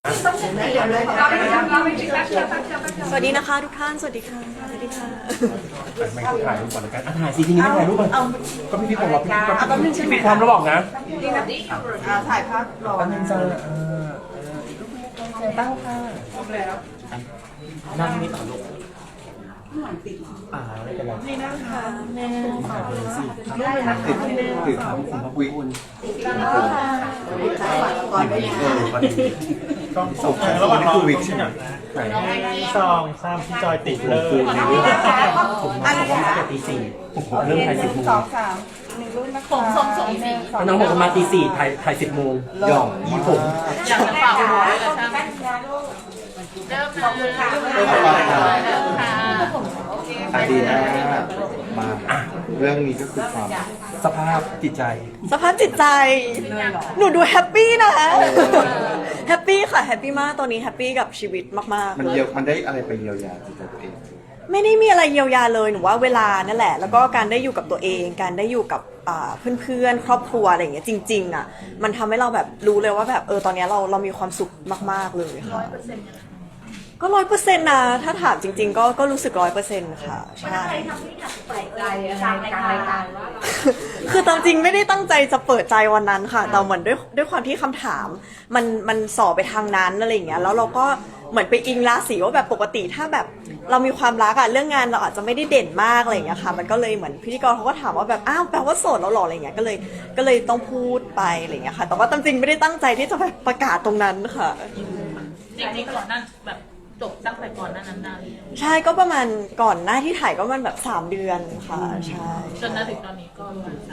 สวัสดีนะคะทุกท่านสวัสดีค่ะสวัสดีค่ะไม่ถ่ายรูปก่อนแล้วกันถ่ายสิทีนี้ไม่ถ่ายรูปก่อนก็พี่บอกว่าพี่ปิดความแล้วบอกนะถ่ายภาพรอตั้งใจตั้งค่ะนั่งนี่ต่อลูกไม่เป็นไรนี่นะคะแม่ถ่ายเลยสิติดถามคุณพระคุยคุณก่อนไปต้องส่งระหว่างรอวิกใช่ไหมซองซ้ำพี่จอยติดเลยผมบอกว่ามาตีสี่เริ่มถ่าย10 โมง 1 รุ่นนะคะผมส่งน้องบอกว่ามาตี4ถ่าย10 โมงย่องยี่ผมอยากจะฝากหัวเลยนะเริ่มค่ะอาดีนะมาเรื่องนี้ก็คือความสภาพจิตใจสภาพจิตใจหนูดูแฮปปี้นะแฮปปี้ค่ะแฮปปี้มากตอนนี้แฮปปี้กับชีวิตมากๆมันได้อะไรไปเยียวยาจิตใจตัวเองไม่ได้มีอะไรเยียวยาเลยหนูว่าเวลานั่นแหละแล้วก็การได้อยู่กับตัวเองการได้อยู่กับเพื่อนๆครอบครัวอะไรอย่างเงี้ยจริงๆอ่ะมันทำให้เราแบบรู้เลยว่าแบบตอนนี้เรามีความสุขมากๆเลยค่ะก็100%นะถ้าถามจริงๆก็รู้สึก100%ค่ะใช่ทำให้อยากเปิดใจกลางรายการว่าคือตามจริงไม่ได้ตั้งใจจะเปิดใจวันนั้นค่ะแต่เหมือนด้วยความที่คำถามมันสอบไปทางนั้นอะไรอย่างเงี้ยแล้วเราก็เหมือนไปอิงราศีว่าแบบปกติถ้าแบบเรามีความรักอะเรื่องงานเราอาจจะไม่ได้เด่นมากอะไรอย่างเงี้ยค่ะมันก็เลยเหมือนพิธีกรเขาก็ถามว่าแบบอ้าวแปลว่าโสดแล้วหรออะไรเงี้ยก็เลยต้องพูดไปอะไรเงี้ยค่ะแต่ว่าตามจริงไม่ได้ตั้งใจที่จะแบบประกาศตรงนั้นค่ะจริงๆก่อนนั้นแบบจบตั้งแต่ก่อนนั้นนานใช่ก็ประมาณก่อนหน้าที่ถ่ายก็มันแบบ3 เดือนค่ะใช่จนถึงตอนนี้ก็ประมาณ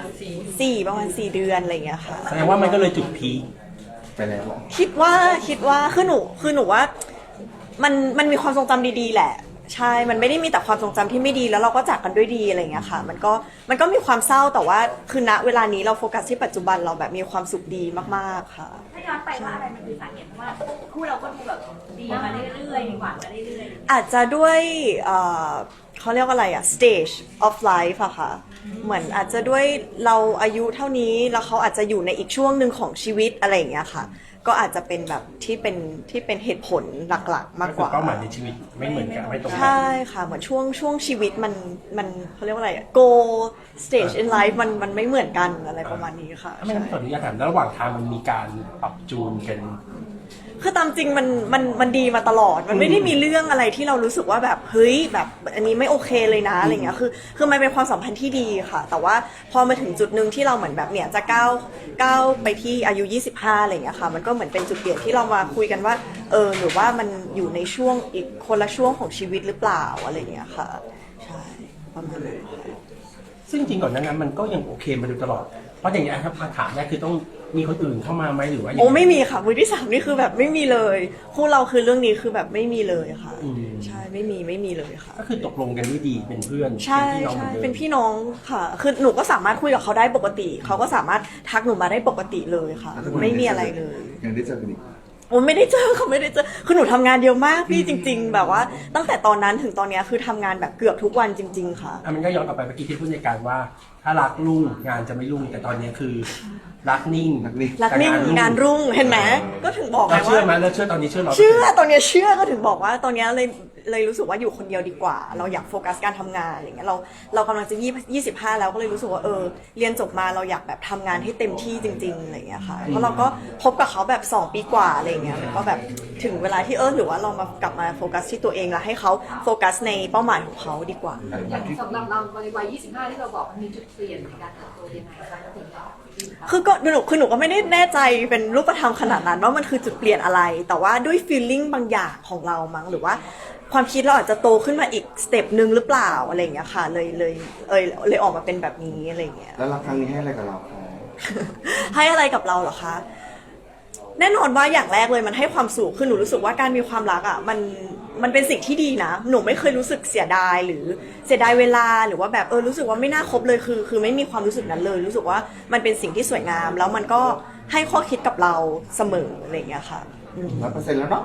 4ประมาณ4 เดือนอะไรเงี้ยค่ะแสดงว่ามันก็เลยจุดพีคไปแล้วคิดว่าคือหนูว่ามันมีความทรงจำดีๆแหละใช่มันไม่ได้มีแต่ความทรงจำที่ไม่ดีแล้วเราก็จากกันด้วยดีอะไรอย่างเงี้ยค่ะมันก็มีความเศร้าแต่ว่าคือณเวลานี้เราโฟกัสที่ปัจจุบันเราแบบมีความสุขดีมากๆค่ะถ้าย้อนไปว่าอะไรมันคือสาเหตุว่าคู่เราก็ดูแบบดีมาเรื่อยๆหวานมาเรื่อยๆอาจจะด้วยเขาเรียกว่าอะไรอะ stage of life อะค่ะเหมือนอาจจะด้วยเราอายุเท่านี้แล้วเขาอาจจะอยู่ในอีกช่วงหนึ่งของชีวิตอะไรอย่างเงี้ยค่ะก็อาจจะเป็นแบบที่เป็นเหตุผลหลักๆมากกว่าเป้าหมายในชีวิตไม่เหมือนกันไม่ตรงกันใช่ค่ะเหมือนช่วงชีวิตมันเขาเรียกว่าอะไร goal stage in life มันไม่เหมือนกันอะไรประมาณนี้ค่ะไม่ขออนุญาตถามระหว่างทางมันมีการปรับจูนกันคือตามจริงมันดีมาตลอดมันไม่ได้มีเรื่องอะไรที่เรารู้สึกว่าแบบเฮ้ยแบบอันนี้ไม่โอเคเลยนะอะไรเงี้ยคือมันเป็นความสัมพันธ์ที่ดีค่ะแต่ว่าพอมาถึงจุดนึงที่เราเหมือนแบบเนี่ยจะก้าวไปที่อายุ25อะไรเงี้ยค่ะมันก็เหมือนเป็นจุดเปลี่ยนที่เรามาคุยกันว่าหรือว่ามันอยู่ในช่วงอีกคนละช่วงของชีวิตหรือเปล่าอะไรเงี้ยค่ะใช่ประมาณนั้นซึ่งจริงก่อนนั้นมันก็ยังโอเคมาโดยตลอดเพราะอย่างนี้ครับมาถามแรกคือต้องมีคนอื่นเข้ามาไหมหรือว่าโอ้ไม่มีค่ะมือที่3นี่คือแบบไม่มีเลยคู่เราคือเรื่องนี้คือแบบไม่มีเลยค่ะใช่ไม่มีเลยค่ะก็คือตกลงกันด้วยดีเป็นเพื่อนใช่เป็นพี่น้องค่ะคือหนูก็สามารถคุยกับเขาได้ปกติเขาก็สามารถทักหนูมาได้ปกติเลยค่ะไม่มีอะไรเลยยังได้เจอกันอีกโอ้ไม่ได้เจอเขาไม่ได้เจอคือหนูทำงานเยอะมากพี่จริงๆแบบว่าตั้งแต่ตอนนั้นถึงตอนนี้คือทำงานแบบเกือบทุกวันจริงๆค่ะมันก็ย้อนกลับไปเมื่อกี้ที่พูดในการว่าถ้ารักรุ่งงานจะไม่รุ่งแต่ตอนนี้คือรักนิ่งงานรุ่งเห็นไหมก็ถึงบอกเราเชื่อไหมเราเชื่อตอนนี้เชื่อเราเชื่อตอนนี้เชื่อก็ถึงบอกว่าตอนนี้เลยรู้สึกว่าอยู่คนเดียวดีกว่าเราอยากโฟกัสการทำงานอะไรเงี้ยเรากำลังจะ25แล้วก็เลยรู้สึกว่าเรียนจบมาเราอยากแบบทำงานให้เต็มที่จริงๆอะไรเงี้ยค่ะเพราะเราก็คบกับเขาแบบ2 ปีกว่าอะไรเงี้ยก็แบบถึงเวลาที่หรือว่าเรามากลับมาโฟกัสที่ตัวเองแล้วให้เขาโฟกัสในเป้าหมายของเขาดีกว่าสำหรับเราในวัย25ที่เราบอกมันมีจุดเปลี่ยนในการเติบโตยังไงคะถึงหนูก็ไม่ได้แน่ใจเป็นรูปธรรมขนาดนั้นว่ามันคือจุดเปลี่ยนอะไรแต่ว่าด้วย feeling บางอย่างของเรามั้งหรือว่าความคิดเราอาจจะโตขึ้นมาอีกสเต็ปนึงหรือเปล่าอะไรอย่างเงี้ยค่ะเลยออกมาเป็นแบบนี้อะไรอย่างเงี้ยแล้วรักครั้งนี้ให้อะไรกับเราคะให้อะไรกับเราเหรอคะแน่นอนว่าอย่างแรกเลยมันให้ความสุขคือหนูรู้สึกว่าการมีความรักอ่ะมันเป็นสิ่งที่ดีนะหนูไม่เคยรู้สึกเสียดายหรือเสียดายเวลาหรือว่าแบบรู้สึกว่าไม่น่าคบเลยคือไม่มีความรู้สึกนั้นเลยรู้สึกว่ามันเป็นสิ่งที่สวยงามแล้วมันก็ให้ข้อคิดกับเราเสมออะไรอย่างเงี้ยค่ะ 100%แล้วเนาะ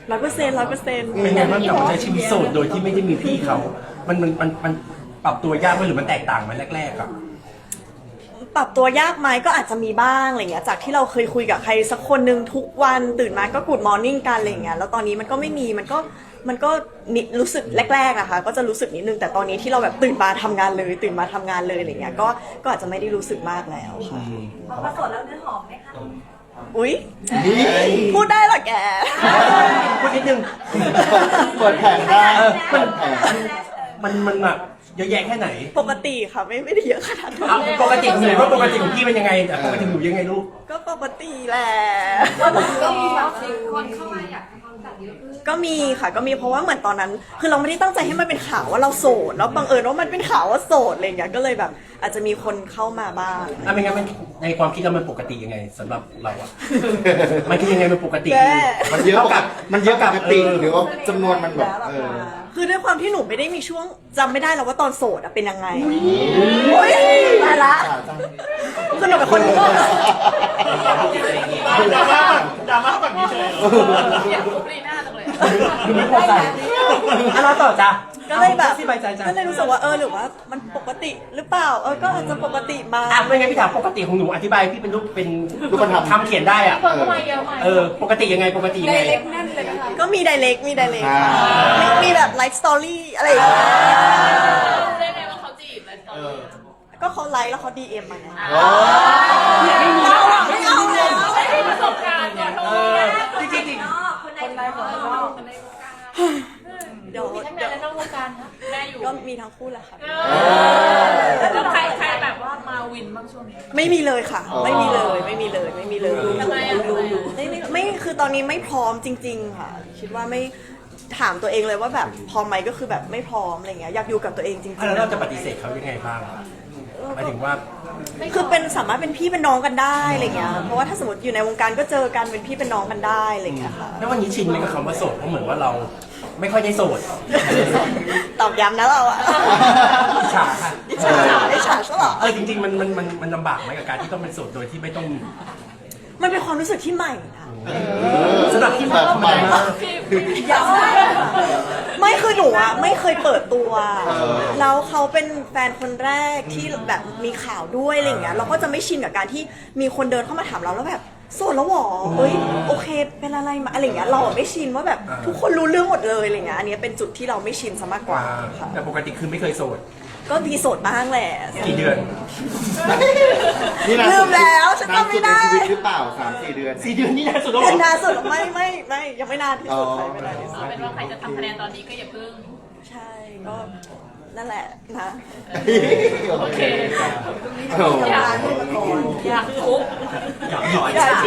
100% เป็นไงบ้างกับใช้ชีวิตโสดโดยที่ไม่ได้มีพี่เขามันปรับตัวยากไหมหรือมันแตกต่างไหมแรกๆอ่ะปรับตัวยากไหมก็อาจจะมีบ้างอะไรเงี้ยจากที่เราเคยคุยกับใครสักคนหนึ่งทุกวันตื่นมาก็กูดมอร์นิ่งกันอะไรเงี้ยแล้วตอนนี้มันก็ไม่มีมันก็นิดรู้สึกแรกๆอะค่ะก็จะรู้สึกนิดนึงแต่ตอนนี้ที่เราแบบตื่นมาทำงานเลยอะไรเงี้ยก็อาจจะไม่ได้รู้สึกมากแล้วค่ะพอประสดแล้วเนื้อหอมไหมคะอุ๊ยนี่พูดได้เหรอแกพูดนิดนึงเปิดแผงได้มันเปิดแผงมันแบบเยอะแยะแค่ไหนปกติค่ะไม่ได้เยอะขนาดนั้นเอาปกติของหนูว่าปกติของพี่เป็นยังไงแต่ปกติของหนูยังไงลูกก็ปกติแหละก็มีแบบคนเข้ามาอยากทำความรู้จักเยอะขึ้นก็มีค่ะก็มีเพราะว่าเหมือนตอนนั้น คือเราไม่ได้ตั้งใจให้มันเป็นข่าวว่าเราโสดแล้วบังเอิญว่ามันเป็นข่าวว่าโสดอะไรอย่างเงี้ยก็เลยแบบอาจจะมีคนเข้ามาบ้างไม่งั้นมันในความคิดเรามันปกติยังไงสำหรับเราอะ มันคือยังไงมันปกติแย่มันเยอะกับมันเยอะกับปกติหรือว่าจำนวนมันแบบคือด้วยความที่หนูไม่ได้มีช่วงจำไม่ได้แล้วว่าตอนโสดอะเป็นยังไงอุ๊ยตายละคือหนูเป็นคนดราม่าแบบนี้เฉยอยากรู้ลีน่าจังเลยคือไม่พอใจอ่ะเราต่อจ้ะก็เลยแบบสบายใจจ้ะก็เลยรู้สึกว่าหรือว่ามันปกติหรือเปล่าก็อาจจะปกติมาไม่งั้นพี่ถามปกติของหนูอธิบายพี่เป็นรูปเป็นรูปธรรมทำเขียนได้อะคนเข้ามาเยอะมากปกติยังไงปกติยังไงเล็กแน่นเลยนะคะก็มีไดเรกมีแบบไลฟ์สตอรี่อะไรอย่างเงี้ยได้ไงว่าเขาจีบเลยตอนนี้ก็เขาไลฟ์แล้วเขาดีเอ็มมาไงไม่มีแล้วอะไม่เอาแล้วไม่ได้ประสบการณ์ก่อนโทษนะจริงคนในวงการคนในวงการเดี๋ยวมีทั้งในและนอกวงการนะแม่อยู่ก็มีทั้งคู่แหละค่ะแล้วใครแบบว่ามาวินบ้างช่วงนี้ไม่มีเลยค่ะ ไม่มีเลยทำไมอ่ะไม่คือตอนนี้ไม่พร้อมจริง ๆ ค่ะ คิดว่าไม่ถามตัวเองเลยว่าแบบพร้อมไหมก็คือแบบไม่พร้อมอะไรเงี้ยอยากอยู่กับตัวเองจริงแล้วเราจะปฏิเสธเขายังไงบ้างหมายถึงว่าคือเป็นสามารถเป็นพี่เป็นน้องกันได้อะไรเงี้ยเพราะว่าถ้าสมมติอยู่ในวงการก็เจอกันเป็นพี่เป็นน้องกันได้อะไรเงี้ยค่ะแล้ววันนี้ชินไหมกับคำว่าโสดเพราะเหมือนว่าเราไม่ค่อยได้โสดตอบย้ำนะเราอะอิจฉาค่ะอิจฉาซะเหรอจริงๆมันลำบากไหมกับการที่ต้องเป็นโสดโดยที่ไม่ต้องมันเป็นความรู้สึกที่ใหม่นะสำหรับที่แบบใหม่มากไม่คือหนูอะไม่เคยเปิดตัว แล้วเขาเป็นแฟนคนแรกที่แบบมีข่าวด้วยอะไรอย่างเงี้ยเราก็จะไม่ชินกับการที่มีคนเดินเข้ามาถามเราแล้วแบบโสดแล้วหรอเฮ้ยโอเคเป็นอะไรมาอะไรอย่างเงี้ยเราอะไม่ชินว่าแบบทุกคนรู้เรื่องหมดเลยอะไรเงี้ยอันนี้เป็นจุดที่เราไม่ชินซะมากกว่าค่ะแต่ปกติคือไม่เคยโสดก็มีโสดบ้างแหละกี่เดือนนี่นานลืสุมดแล้วฉันจำไม่ได้นานสุในชีวิตหรือเปล่า3-4 เดือน 4 เดือนนี่นานสุดแล้วเหรเป็นอนานสุดไม่ยังไม่นานที่สุดใครไม่นานที่สุดเป็นว่าใครจะทำคะแนนตอนนี้ก็อย่าเพิ่งใช่ก็นั่นแหละนะโอเคอยากทุบอยากหน่อยอยาก